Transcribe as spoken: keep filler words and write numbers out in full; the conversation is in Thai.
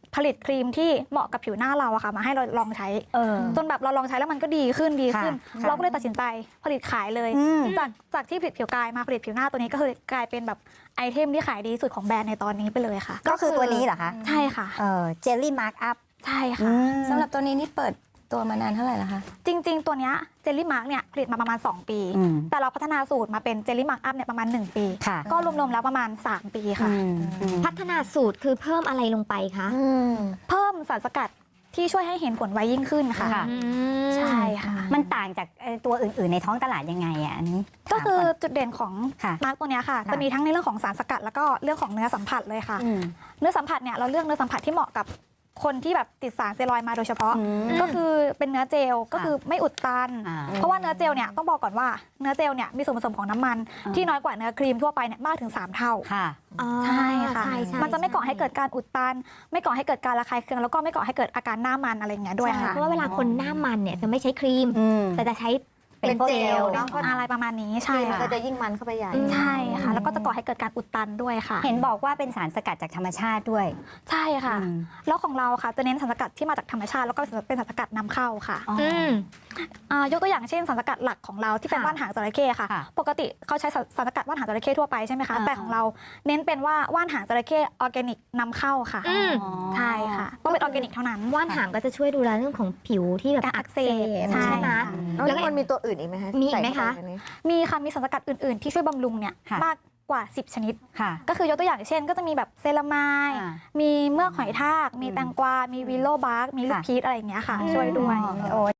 ผลิตครีมที่เหมาะกับผิวหน้าเราอะค่ะมาให้เราลองใช้จนแบบเราลองใช้แล้วมันก็ดีขึ้นดีขึ้นเราก็เลยตัดสินใจผลิตขายเลยจากจากที่ผลิตผิวกายมาผลิตผิวหน้าตัวนี้ก็คือกลายเป็นแบบไอเทมที่ขายดีสุดของแบรนด์ในตอนนี้ไปเลยค่ะก็คือตัวนี้เหรอคะใช่ค่ะเออเจลลี่มาร์กอัพใช่ค่ะสำหรับตัวนี้นี่เปิดตัวมานานเท่าไหร่แล้วคะจริงๆตัวเนี้ยเจลลี่มาร์กเนี่ยผลิตมาประมาณสองปีแต่เราพัฒนาสูตรมาเป็นเจลลี่มาร์กอัพเนี่ยประมาณหนึ่งปีก็รวมๆแล้วประมาณสามปีค่ะพัฒนาสูตรคือเพิ่มอะไรลงไปคะเพิ่มสารสกัดที่ช่วยให้เห็นผลไวยิ่งขึ้นค่ะใช่ค่ะมันต่างจากตัวอื่นๆในท้องตลาดยังไงอ่ะอันนี้ก็คือจุดเด่นของมาร์กตัวนี้ค่ะจะมีทั้งในเรื่องของสารสกัดแล้วก็เรื่องของเนื้อสัมผัสเลยค่ะเนื้อสัมผัสเนี่ยเราเลือกเนื้อสัมผัสที่เหมาะกับคนที่แบบติดสารสเตียรอยด์มาโดยเฉพาะก็คือเป็นเนื้อเจลก็คือไม่อุดตันเพราะว่าเนื้อเจลเนี่ยต้องบอกก่อนว่าเนื้อเจลเนี่ยมีส่วนผสมของน้ำมันที่น้อยกว่าเนื้อครีมทั่วไปเนี่ยมากถึงสามเท่าใช่ค่ะมันจะไม่ก่อให้เกิดการอุดตันไม่ก่อให้เกิดการระคายเคืองแล้วก็ไม่ก่อให้เกิดอาการหน้ามันอะไรอย่างเงี้ยด้วยค่ะเพราะว่าเวลาคนหน้ามันเนี่ยจะไม่ใช้ครีมแต่จะใช้เป็นเจลอะไรประมาณนี้ใช่ค่ะก็จะยิ่งมันเข้าไปใหญ่ใช่ค่ะแล้วก็จะก่อให้เกิดการอุดตันด้วยค่ะเห็นบอกว่าเป็นสารสกัดจากธรรมชาติด้วยใช่ค่ะแล้วของเราค่ะจะเน้นสารสกัดที่มาจากธรรมชาติแล้วก็เป็นสารสกัดนำเข้าค่ะยกตัวอย่างเช่นสารสกัดหลักของเราที่เป็นว่านหางจระเข้ค่ะปกติเขาใช้สารสกัดว่านหางจระเข้ทั่วไปใช่ไหมคะแต่ของเราเน้นเป็นว่าว่านหางจระเข้ออร์แกนิกนำเข้าค่ะใช่ค่ะต้องเป็นออร์แกนิกเท่านั้นว่านหางก็จะช่วยดูแลเรื่องของผิวที่แบบอักเสบใช่ไหมแล้วมันมีตัวอื่นอีกไหมคะมีอีกไหมคะมีค่ะมีสารสกัดอื่นๆที่ช่วยบำรุงเนี่ยมากกว่าสิบชนิดก็คือยกตัวอย่างเช่นก็จะมีแบบเซรามายมีเมือกหอยทากมีแตงกวามีวิโลบาร์กมีลูกพีชอะไรอย่างเงี้ยค่ะช่วยด้วย